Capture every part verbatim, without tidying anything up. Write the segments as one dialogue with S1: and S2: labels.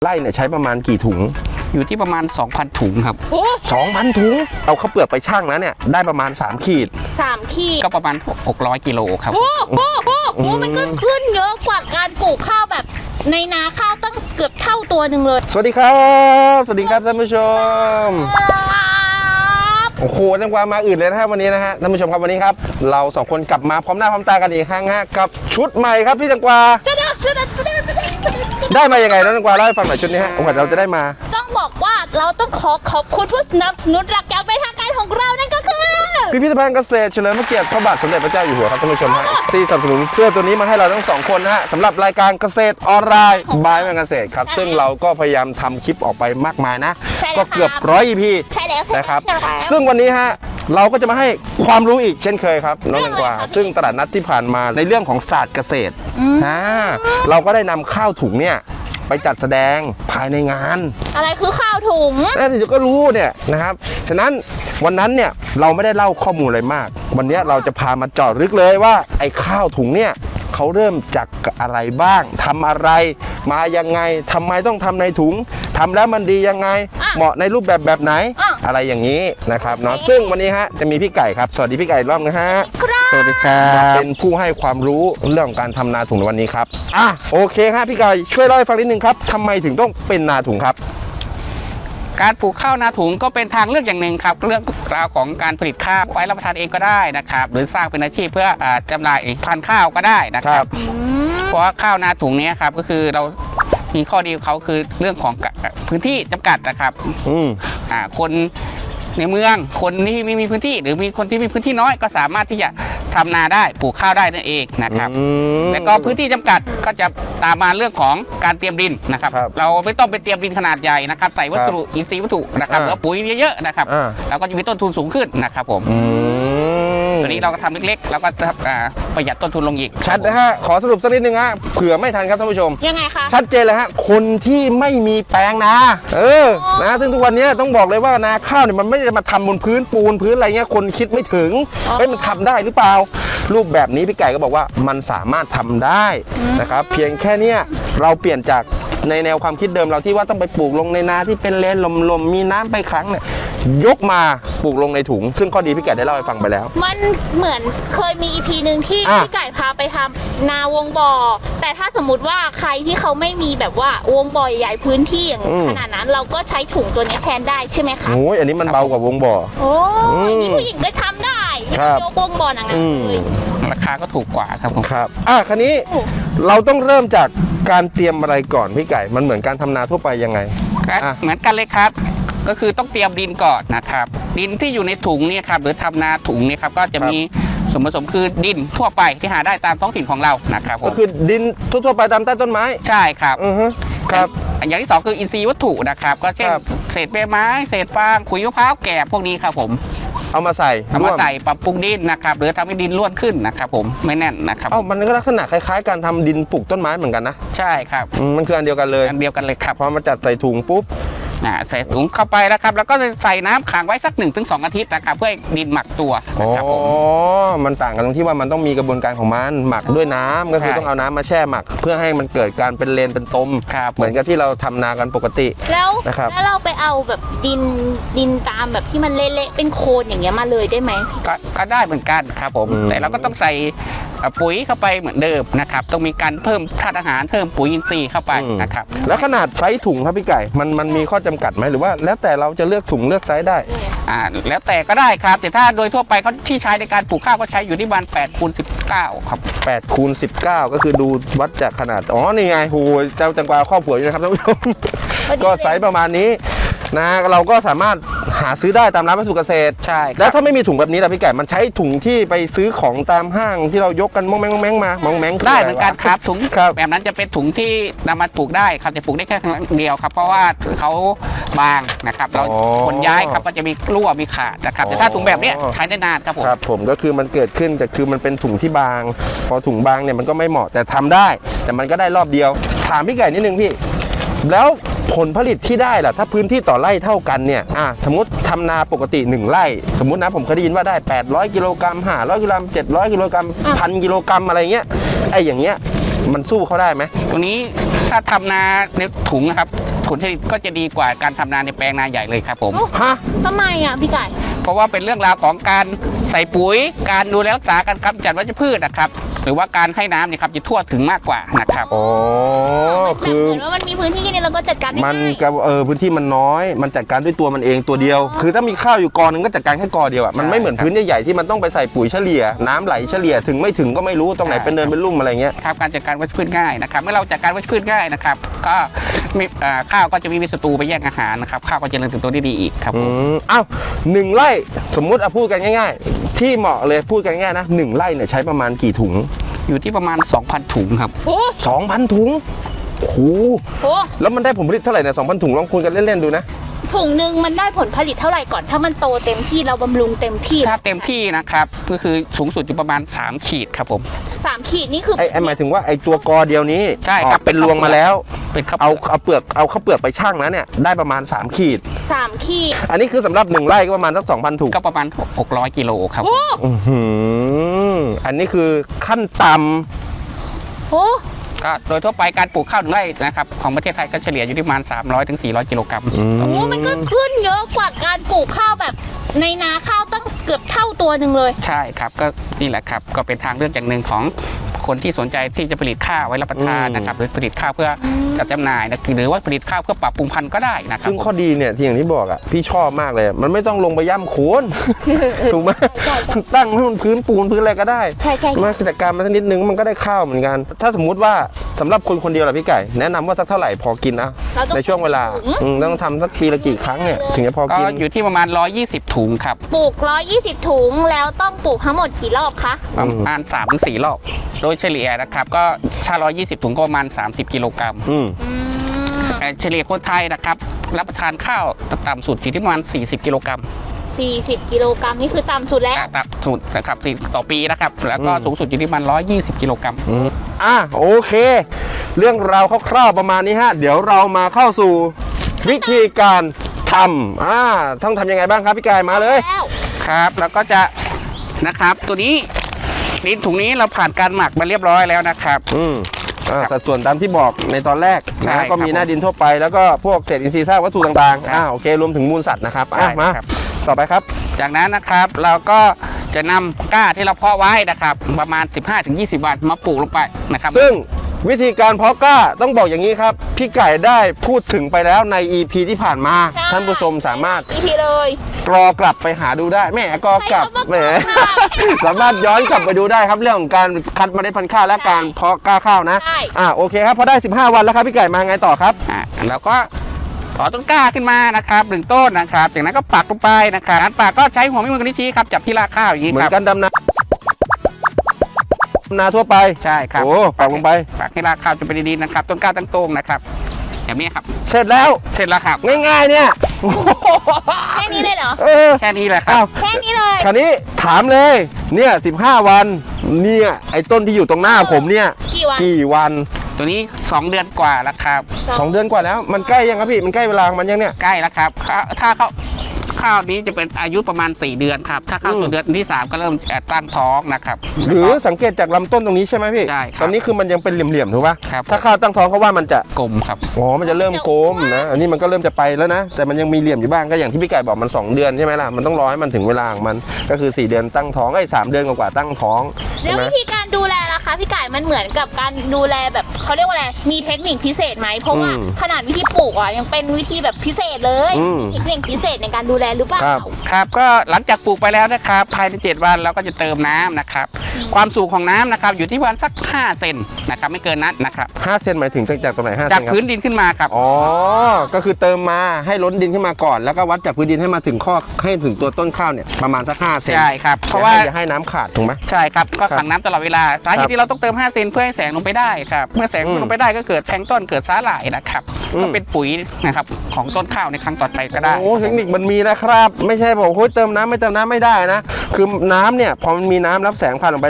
S1: ไร่เนี่ยใช้ประมาณกี่ถุง
S2: อยู่ที่ประมาณ สองพัน ถุงครับ
S1: โอ้สองพันถุงเอาข้าวเปลือกไปชั่งแล้วเนี่ยได้ประมาณสามขีด
S3: สามขีด
S2: ก็ประมาณหกร้อยกิโลครับ
S3: โอ้โหโอ้โหมันก็ขึ้นเยอะกว่าการปลูกข้าวแบบในนาข้าวตั้งเกือบเท่าตัวหนึ่งเลย
S1: สวัสดีครับสวัสดีครับท่านผู้ชมโอ้โหจังหวะมาอื่นเลยนะครับวันนี้นะฮะท่านผู้ชมครับวันนี้ครับเราสองคนกลับมาพร้อมหน้าพร้อมตากันอีกครั้งฮะกับชุดใหม่ครับพี่จังกวาได้มายังไงน้องจังกวาเล่าให้ฟังหน่อยชุดนี้ฮะโอกาสเราจะได้มา
S3: ต้องบอกว่าเราต้องขอขอบคุณผู้สนับสนุนหลักอย่างเป็นทางการของเรานั่นก็คือ
S1: พิพิธภัณฑ์เกษตรเฉลิมพระเกียรติพระบาทสมเด็จพระเจ้าอยู่หัวครับท่านผู้ชมฮะที่สนับสนุนเสื้อตัวนี้มาให้เราทั้งสองคนนะฮะสำหรับรายการเกษตรออนไลน์บายแมนเกษตรครับซึ่งเราก็พยายามทำคลิปออกไปมากมายนะก็เกือบร้อย อี พี
S3: ใช่แล้ว
S1: นะครับซึ่งวันนี้ฮะเราก็จะมาให้ความรู้อีกเช่นเคยครับน้องแตงกวาซึ่งตลาดนัดที่ผ่านมาในเรื่องของศาสตร์เกษตรอ่าเราก็ได้นำข้าวถุงเนี่ยไปจัดแสดงภายในงาน
S3: อะไรคือข้าวถุง
S1: แล้วเดี๋ยวก็รู้เนี่ยนะครับฉะนั้นวันนั้นเนี่ยเราไม่ได้เล่าข้อมูลอะไรมากวันนี้เราจะพามาเจาะลึกเลยว่าไอ้ข้าวถุงเนี่ยเขาเริ่มจากอะไรบ้างทำอะไรมายังไงทำไมต้องทำในถุงทำแล้วมันดียังไงเหมาะในรูปแบบแบบไหนอะไรอย่างนี้นะครับเนาะซึ่งวันนี้ฮะจะมีพี่ไก่ครับสวัสดีพี่ไก่รอบนะฮะ
S2: สวัสดีครับ
S1: เป็นผู้ให้ความรู้เรื่องของการทำนาถุงในวันนี้ครับอ่ะโอเคฮะพี่ไก่ช่วยเล่าให้ฟังนิดนึงครับทำไมถึงต้องเป็นนาถุงครับ
S2: การปลูกข้าวนาถุงก็เป็นทางเลือกอย่างหนึ่งครับเรื่องราวของการผลิตข้าวไว้รับประทานเองก็ได้นะครับหรือสร้างเป็นอาชีพเพื่อจำหน่ายพันธุ์ข้าวก็ได้นะครับเพราะว่าข้าวนาถุงนี้ครับก็คือเรามีข้อดีของเขาคือเรื่องของพื้นที่จำกัดนะครับอ่าคนในเมืองคนที่ไม่มีพื้นที่หรือมีคนที่มีพื้นที่น้อยก็สามารถที่จะทำนาได้ปลูกข้าวได้นั่นเองนะครับแล้วก็พื้นที่จำกัดก็จะตามมาเรื่องของการเตรียมดินนะครับเราไม่ต้องไปเตรียมดินขนาดใหญ่นะครับใส่วัสดุอินทรีย์วัตถุนะครับแล้วปุ๋ยเยอะๆนะครับเราก็จะมีต้นทุนสูงขึ้นนะครับผมตัวนี้เราก็ทำเล็กๆแล้วก็จะประหยัดต้นทุนลงอีก
S1: ชัดนะฮะขอสรุปสักนิดนึงฮะเผื่อไม่ทันครับท่านผู้ชม
S3: ยังไงคะ
S1: ชัดเจนเลยฮะคนที่ไม่มีแปลงนาเออนะซึ่งทุกวันนี้ต้องบอกเลยว่านาข้าวเนี่ยมันไม่ได้มาทำบนพื้นปูนพื้นอะไรเงี้ยคนคิดไม่ถึงเฮ้ยมันทำได้หรือเปล่ารูปแบบนี้พี่ไก่ก็บอกว่ามันสามารถทำได้นะครับเพียงแค่เนี้ยเราเปลี่ยนจากในแนวความคิดเดิมเราที่ว่าต้องไปปลูกลงในนาที่เป็นเลนลมๆมีน้ำไปครั้งเนี่ยยกมาปลูกลงในถุงซึ่งข้อดีพี่ไก่ได้เล่าให้ฟังไปแล้ว
S3: มันเหมือนเคยมี อี พี หนึ่งที่พี่ไก่พาไปทำนาวงบ่อแต่ถ้าสมมุติว่าใครที่เขาไม่มีแบบว่าวงบ่อใหญ่พื้นที่อย่างขนาดนั้นเราก็ใช้ถุงตัวนี้แทนได้ใช่ไหมคะ
S1: โอ้ยอันนี้มันเบากว่าวงบ่อ
S3: โอ้ยนี่ผู้หญิงก็ทำได้ยกวงบ่อหนังเลย
S2: ราคาก็ถูกกว่าครับผม
S1: ครับอ่ะคันนี้เราต้องเริ่มจากการเตรียมอะไรก่อนพี่ไก่มันเหมือนการทำนาทั่วไปยังไง
S2: เหมือนกันเลยครับก็คือต้องเตรียมดินก่อนนะครับดินที่อยู่ในถุงนี่ครับหรือทำนาถุงนี่ครับก็จะมีส่วนผสมคือดินทั่วไปที่หาได้ตามท้องถิ่นของเรานะครับ
S1: ก็คือดินทั่วไปตามใต้ต้นไม้
S2: ใช่ครับ
S1: อือฮึครับ
S2: อย่างที่สองคืออินทรีย์วัตถุนะครับก็เช่นเศษใบไม้เศษฟางขุยมะพร้าวแกบพวกนี้ครับผม
S1: เอามาใส่
S2: เอามาใส่ปรับปรุงดินนะครับหรือทำให้ดินร่วนขึ้นนะครับผมไม่แน่นนะครับ
S1: เอ้ามันก็ลักษณะคล้ายๆการทำดินปลูกต้นไม้เหมือนกันนะ
S2: ใช่ครับ
S1: มันคืออันเดียวกันเลย
S2: อันเดียวกันเลยครับ
S1: พอมาจัดใส่ถุงปุ๊บ
S2: ใส่ถุงเข้าไปนะครับแล้วก็จะใส่น้ำขังไว้สัก หนึ่งถึงสอง อาทิตย์นะครับเพื่อให้ดินหมักตัวนะครับผม
S1: อ๋อมันต่างกันตรงที่ว่ามันต้องมีกระบวนการของมันหมักด้วยน้ำก็คือต้องเอาน้ำมาแช่หมักเพื่อให้มันเกิดการเป็นเลนเป็นตมเหมือนกับที่เราทำนากันปกติ
S3: แล้วแล้วเราไปเอาแบบดินดินตามแบบที่มันเละๆเป็นโคลนอย่างเงี้ยมาเลยได้ไหม
S2: ก็ได้เหมือนกันครับผมแต่เราก็ต้องใส่ปุ๋ยเข้าไปเหมือนเดิมนะครับต้องมีการเพิ่มธาตุอาหารเพิ่มปุ๋ยอินทรีย์เข้าไปนะครับ
S1: แล้วขนาดไซส์ถุงครับพี่ไก่มันมันมีข้อจำกัดไหมหรือว่าแล้วแต่เราจะเลือกถุงเลือกไซส์ได้
S2: อ่าแล้วแต่ก็ได้ครับแต่ถ้าโดยทั่วไปเขาที่ใช้ในการปลูกข้าวก็ใช้อยู่ที่ประมาณแปดคูณสิบเก้าครับ
S1: แปดคูณสิบเก้าก็คือดูวัดจากขนาดอ๋อนี่ไงโหเจ้าแตงกวาครอบครัวอยู่นะครับท่านผู้ชมก็ไซส์ประมาณนี้นะเราก็สามารถหาซื้อได้ตามร้านวัสดุเกษตร
S2: ใช่
S1: แล้วถ้าไม่มีถุงแบบนี้ล่ะพี่ไก่มันใช้ถุงที่ไปซื้อของตามห้างที่เรายกกันมองแมงมองแมงมามองแมง
S2: ได้เหมือนกันครับถุงแบบนั้นจะเป็นถุงที่นำมาปลูกได้ครับจะปลูกได้แค่ครั้งเดียวครับเพราะว่าเขาบางนะครับเราขนย้ายครับก็จะมีรั่วมีขาดนะครับแต่ถ้าถุงแบบนี้ใช้ได้นานครับผม
S1: ครับผมก็คือมันเกิดขึ้นแต่คือมันเป็นถุงที่บางพอถุงบางเนี่ยมันก็ไม่เหมาะแต่ทำได้แต่มันก็ได้รอบเดียวถามพี่ไก่นิดนึงพี่แล้วผลผลิตที่ได้ล่ะถ้าพื้นที่ต่อไร่เท่ากันเนี่ยอ่ะสมมติทำนาปกติหนึ่งไร่สมมตินะผมเคยได้ยินว่าได้แปดร้อยกิโลกรัมห้าร้อยกิโลกรัมเจ็ดร้อยกิโลกรัมพันกิโลกรัมอะไรเงี้ยไอ้อย่างเงี้ยมันสู้เขาได้ไหม
S2: ตรงนี้ถ้าทำนาในถุงนะครับผลผลิตก็จะดีกว่าการทำนาในแปลงนาใหญ่เลยครับผม
S3: โอ้
S1: ฮะ
S3: ทำไมอ่ะพี่ไก่
S2: เพราะว่าเป็นเรื่องราวของการใส่ปุ๋ยการดูแลรักษาการกำจัดวัชพืชนะครับหรือว่าการให้น้ำเนี่ยครับจะทั่วถึงมากกว่านะครับ
S1: อ๋อ
S3: คื
S1: คือ อ
S3: เหมือนว่ามันมีพื้นที่แค่นี้เราก็จัดการได้
S1: มัน
S3: ง่าย
S1: กับเออพื้นที่มันน้อย มันจัดการด้วยตัวมันเองตัวเดียว
S3: อ๋อ
S1: คือถ้ามีข้าวอยู่กอหนึงก็จัดการแค่กอเดียวอ่ะมันไม่เหมือนพื้นใหญ่ๆที่มันต้องไปใส่ปุ๋ยเฉลี่ย น้ำไหลเฉลี่ยถึงไม่ถึงก็ไม่รู้ตรงไหนเป็นเนินเป็นลุ่มอะไรเงี้ย
S2: ครับการจัดการวัชพืชง่ายนะครับเมื่อเราจัดการวัชพืชง่ายนะครับก็มีเอ่อข้าวก็จะมีศัตรูไปแย่งอาหารนะครับข้าวก็จะเจริญเติบโตได้ดีอีกครับ
S1: อื
S2: ผม
S1: มเอ้าหนึ่งไร่สมมุติเอาพูดกันง่ายๆ ที่เหมาะเลยพูดกันง่ายๆนะหนึ่งไร่เนี่ยใช้ประมาณกี่ถุง
S2: อยู่ที่ประมาณ สองพัน ถุงครับ
S3: โอ้
S1: สองพันถุงโอ้โห
S3: โห
S1: แล้วมันได้ผลผลิตเท่าไหร่เนี่ยสองพันถุงลองคูณกันเล่นๆดูนะ
S3: ถุงหนึ่งมันได้ผลผลิตเท่าไหร่ก่อน ถ้ามันโตเต็มที่เราบำรุงเต็มที่
S2: ถ้าเต็มที่นะครับก็คือสูงสุดอยู่ประมาณสามขีดครับผม
S3: สามขีดนี่คือ
S1: ไอ้ไอ้หมายถึงว่าไอ้ตัวกอเดียวนี้
S2: ใช่ครับ
S1: ออกเป็นรวงมาแล้ว
S2: เป็นข้าว
S1: เอาเอาเปลือกเอาข้าวเปลือกไปชั่งแล้วเนี่ยได้ประมาณสามขีด
S3: สามขีด
S1: อันนี้คือสำหรับหนึ่งไร่ก็ประมาณสักสองพันถุง
S2: ก็ประมาณหกร้อยกิโลครับ
S3: โอ้
S1: อื้อหืออันนี้คือขั้นต่
S3: โห
S2: ก็โดยทั่วไปการปลูกข้าวหนึ่งไร่นะครับของประเทศไทยก็เฉลี่ยอยู่ที่ประมาณ สามร้อยถึงสี่ร้อย กิโลกรัม
S1: ำอืม
S3: โอ้โหมันก็ขึ้นเยอะกว่าการปลูกข้าวแบบในนาข้าวตั้งเกือบเท่าตัวหนึ่งเลย
S2: ใช่ครับก็นี่แหละครับก็เป็นทางเลือกอย่างหนึ่งของคนที่สนใจที่จะผลิตข้าวไว้รับประทานนะครับหรือผลิตข้าวเพื่อจัดจำหน่ายนะหรือว่าผลิตข้าวเพื่อปรับปรุงพันธุ์ก็ได้นะครับ
S1: ซึ่งข้อดีเนี่ยที่อย่างที่บอกอ่ะพี่ชอบมากเลย มันไม่ต้องลงไปย่ำโคน ถูกไหม
S3: ใช่ใช่
S1: ตั้งให้มันพื้นปูนพื้นอะไรก็ได้
S3: ใช่ใช่
S1: มาจัดการมันสักนิดนึงมันก็ได้ข้าวเหมือนกัน ถ้าสมมุติว่าสำหรับคนคนเดียวล่ะพี่ไก่ แนะนำว่าสักเท่าไหร่พอกินนะ
S3: เราต้อง
S1: ในช่วงเวลาอืมต้องทำสักปีละกี่ครั้งเนี่ยถึงจะพอ
S2: ก็
S1: กิน
S2: อยู่ที่ประมาณหนึ่งร้อยยี่สิบถุงครับ
S3: ปลูกร้อยยี่สิบถุงแล้วต้องปลูกทั้งหมดกี่รอบคะ
S2: ประมาณ สามถึงสี่ รอบโดยเฉลี่ยนะครับก็ถ้าหนึ่งร้อยยี่สิบถุงก็ประมาณสามสิบกิโลกรัม
S1: อืม
S3: อืม
S2: แต่เฉลี่ยคนไทยนะครับรับประทานข้าวต่ำสุดอยู่ที่ประมาณสี่สิบกิโลกรัม
S3: สี่สิบกิโลกรัมนี่คือต่ำสุดแล้ว
S2: ต่ำสุดนะครับสี่ต่อปีนะครับแล้วก็สูงสุดอยู่ที่ประมาณหนึ่งร้อยยี่สิบกิโลกรัม
S1: อืมอ่ะโอเค เรื่องราวคร่าวๆประมาณนี้ฮะ เดี๋ยวเรามาเข้าสู่วิธีการทำอ่าต้องทำยังไงบ้างครับพี่ไก่มาเลย
S3: แล้ว
S2: ครับแล้วก็จะนะครับตัวนี้ดินถุงนี้เราผ่านการหมักมาเรียบร้อยแล้วนะครับ
S1: อืมอ่าสัดส่วนตามที่บอกในตอนแรก
S2: ใช่
S1: นะก็มี
S2: ครับ
S1: หน้าดินทั่วไป แล้วก็พวกเศษอินทรีย์ซากวัตถุต่าง
S2: ครับ
S1: ๆอ่าโอเครวมถึงมูลสัตว์นะครับ
S2: ใช่
S1: อ่ะมา
S2: ครับ
S1: ต่อไปครับ
S2: จากนั้นนะครับเราก็จะนำก้าที่เราเพาะไว้นะครับประมาณ สิบห้าถึงยี่สิบ วันมาปลูกลงไปนะครับ
S1: ซึ่งวิธีการเพาะกล้าต้องบอกอย่างนี้ครับ พี่ไก่ได้พูดถึงไปแล้วใน อี พี ที่ผ่านมา
S3: ใช่
S1: ท่านผู้ชมสามารถ
S3: อีพีเลย
S1: กรอกลับไปหาดูได้แหม่กรอกลับ
S3: ใช้คำว่า
S1: แหม
S3: กรอกลับ
S1: สามารถย้อนกลับไปดูได้ครับเรื่องของการคัดเมล็ดพันธุ์ข้าวและการเพาะกล้าข้าวนะ
S3: ใช่
S1: อ่าโอเคครับพอได้สิบห้าวันแล้วครับพี่ไก่มาไงต่อครับ
S2: อ่ะเราก็ถอนต้นกล้าขึ้นมานะครับหนึ่งต้นนะครับจากนั้นก็ปักลงไปนะครับการปักก็ใช้หัวแม่มือกันชี้ครับจับที่รากข้าวอย่างนี้
S1: เหมือ
S2: ครับ
S1: นกันดำนาดำนาทั่วไป
S2: ใช่ครับ
S1: โอ้ปักลงไป
S2: ปักให้รากข้าวจนเป็นดินนะครับต้นกล้าตั้งตรงนะครับแบบนี้ครับ
S1: เสร็จแล้ว
S2: เสร็จแล้วครับ
S1: ง่ายๆเนี่ย
S3: แค่นี้เลยเหรอ
S1: เออ
S2: แค่นี้แหละครั
S1: อ้าว
S2: บ
S3: แค่นี้เลย
S1: คราวนี้ถามเลยเนี่ยสิบห้าวันเนี่ยไอ้ต้นที่อยู่ตรงหน้าผมเนี่ย
S3: กี่วัน
S1: กี่วัน
S2: ตัวนี้สองเดือนกว่าแล้วครับ
S1: สองเดือนกว่าแล้วมันใกล้ยังครับพี่มันใกล้เวลาของมันยังเนี่ย
S2: ใกล้แล้วครับถ้าถ้าเขาข้าวนี้จะเป็นอายุประมาณสี่เดือนครับถ้าเข้า
S1: อืม
S2: สู่เดือนที่สามก็เริ่มจะตั้งท้องนะครับ
S1: หรือสังเกตจากลำต้นตรงนี้ใช่ไหมพี่
S2: ใช่ครับ
S1: ตอนนี้คือมันยังเป็นเหลี่ยมๆถูกป่ะ
S2: ครับ
S1: ถ้าข้าวตั้งท้องเขาว่ามันจะ
S2: กลมครับ
S1: อ๋อมันจะเริ่มโกมนะอันนี้มันก็เริ่มจะไปแล้วนะ แต่มันยังมีเหลี่ยมอยู่บ้างก็อย่างที่พี่ไก่บอกมันสองเดือนใช่ไหมล่ะมันต้องรอให้มันถึงเวลาของมันก็คือสี่เดือนตั้งท้องไอ้ยสามเดือนกว่าๆตั้งท้องใช่
S3: แล้ว
S1: ไหม
S3: วิธีการดูแลล่ะคะพี่ไก่มันเหมือนกับการดูแลแบบเขาเรียกว่าอะไรมีเทคนิคพิเศษไหมเพราะว่า
S1: อืม
S3: ขนาดวิธีปลูกอ่ะยังเป็นวิธีแบบพิเศษเลย
S1: อืม
S3: มีเทคนิคพิเศษในการดูแลหรือเปล่า
S1: ครับ
S2: ครับก็หลังจากปลูกไปแล้วนะครับภายในเจ็ดวันเราก็จะเติมน้ำนะครับความสูงของน้ำนะครับอยู่ที่ประมาณสักห้าเซนนะครับไม่เกินนั้นนะครับ
S1: ห้าเซนหมายถึงจากตรงไหนห้าเซ
S2: จาก
S1: นครับ
S2: พื้นดินขึ้นมาครับ
S1: อ๋อก็คือเติมมาให้ล้นดินขึ้นมาก่อน แล้วก็วัดจากพื้นดินให้มาถึงข้อให้ถึงตัวต้นข้าวเนี่ยประมาณสักห้าเซน
S2: ใช่ครับเพ
S1: เพราะ
S2: ราะ
S1: ว่า
S2: ว่า
S1: อย่าให้น้ำขาดถูกไหม
S2: ใช่ครับก็
S1: ครับ
S2: ขังน้ำตลอดเวลาสาเห
S1: ครั
S2: ตุ
S1: บ
S2: ที่เราต้องเติมห้าเซนเพื่อให้แสงลงไปได้ครับเมื่อแสง
S1: อืม
S2: ลงไปได้ก็เกิดแพลงก์ต้นเกิดสาหร่ายนะครับ
S1: อืม
S2: ก็เป็นปุ๋ยนะครับของต้นข้าวในครั้งต่อไปก็ได้
S1: โอ้เทคนิคมันมีนะครับ ไม่ใช่บอกโอ้ยเติมน้ำไม่เติมน้ำไม่ได้นะ คือน้ำเนี่ยพอมันมีน้ำรับแสงผ่านลงไป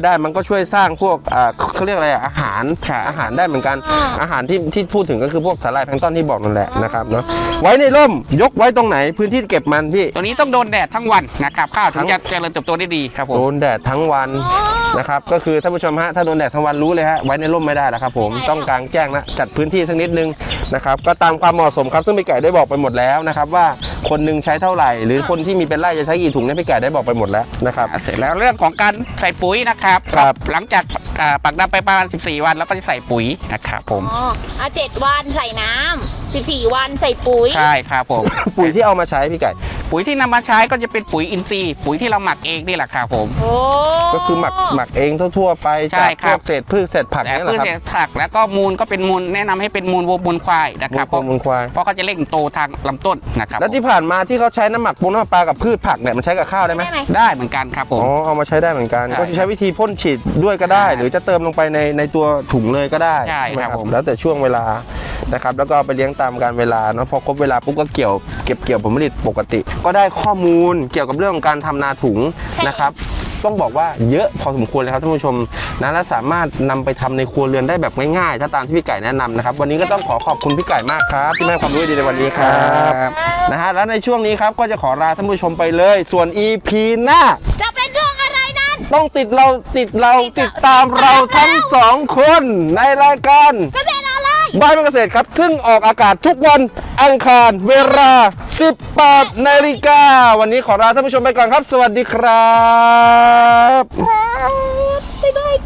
S1: ได้ มันก็ช่วยสร้างพวกอ่าเขาเรียกอะไรอะอาหารอาหารได้เหมือนกันอาหารที่ที่พูดถึงก็คือพวกสาหร่ายแพลงก์ต้นที่บอกนั่นแหละนะครับเนาะไว้ในร่มยกไว้ตรงไหนพื้นที่เก็บมันพี่
S2: ตัวนี้ต้องโดนแดดทั้งวันนะครับข้าวถึงจะเจริญเติบโตได้ดีครับผม
S1: โดนแดดทั้งวันนะครับก็คือท่านผู้ชมฮะถ้าโดนแดดทั้งวันรู้เลยฮะไว้ในร่มไม่ได้แล้วครับผมต้องกลางแจ้งนะจัดพื้นที่สักนิดนึงนะครับก็ตามความเหมาะสมครับซึ่งพี่ไก่ได้บอกไปหมดแล้วนะครับว่าคนหนึงใช้เท่าไหร่หรือคนที่มีเป็นไร่จะใช้กี่ถุงเนี่ยพี่ไก่ได้บอกไปหมดแล้วนะครับ
S2: เสร็จแล้วเรื่องของการใส่ปุ๋ยนะครับ
S1: ครับ
S2: หลังจากอ่าปักดำไปประมาณสิบสี่วันแล้วก็จะใส่ปุ๋ยนะครับผม
S3: อ๋ออ่ะเจ็ดวันใส่น้ำสิบสี่วันใส่ปุ๋ย
S2: ใช่ครับผม
S1: ปุ๋ยที่เอามาใช้พี่ไก่
S2: ปุ๋ยที่นำมาใช้ก็จะเป็นปุ๋ยอินทรีย์ปุ๋ยที่เราหมักเองนี่แหละครับผม
S3: โอ้
S1: ก็คือหมักหมักเองทั่วๆไป
S2: ใช่
S1: จาก
S2: ค
S1: พ
S2: รั
S1: ว
S2: บ
S1: กเศษพืชเศษผัก
S2: แต่
S1: เนี่ยแห
S2: พืช
S1: ละครับ
S2: เศษผักแล้วก็มูลก็เป็นมูลแนะนำให้เป็นมูลวัวมูลควายนะครับ
S1: มูลมูลควาย
S2: เพราะเขาจะเร่งโตทางลำต้นนะครับ
S1: แล้วที่ผ่านมาที่เขาใช้น้ำหมักปูน้ำปลากับพืชผักเนี่ยมันใช้กับข้าวได้ไหม
S3: ได้ไหม
S2: ได้เหมือนกันครับผม
S1: อ๋อเอามาใช้ได้เหมือนกัน
S2: ใช่
S1: ก็ใช้วิธีพ่นฉีดด้วยก็ได้
S2: ใช่
S1: หรือจะเติมลงไปในในตัวถุงเลยก็ได้
S2: ใช่ครับ
S1: นะ
S2: ผม
S1: แล้วแต่ช่วงเวลานะครับแล้วก็เอาไปเลี้ยงตามการเวลาเนาะพอครบเวลาปุ๊บก็เกี่ยวเก็บเกี่ยวผลผลิตปกติ ก็ได้ข้อมูลเกี่ยวกับเรื่องของการทำนาถุงนะครับต้องบอกว่าเยอะพอสมควรเลยครับท่านผู้ชมนะและสามารถนำไปทำในครัวเรือนได้แบบง่ายๆถ้าตามที่พี่ไก่แนะนำนะครับวันนี้ก็ต้องขอขอบคุณพี่ไก่มากครับที่ให้ความรู้ดีในวันนี้ครับ
S2: ครับ
S1: นะฮะแล้วในช่วงนี้ครับก็จะขอลาท่านผู้ชมไปเลย ส่วน อี พี หน้า
S3: จะเป็นเรื่องอะไรนั้น
S1: ต้องติดเราติดเราติดตามเราทั้งสองคนในรายการ
S3: เกษตรอะไร
S1: บ้านเกษตรครับซึ่งออกอากาศทุกวันอังคารเวลา สิบแปดนาฬิกาวันนี้ขอลาท่านผู้ชมไปก่อนครับ สวัสดีครับ
S3: บ๊ายบาย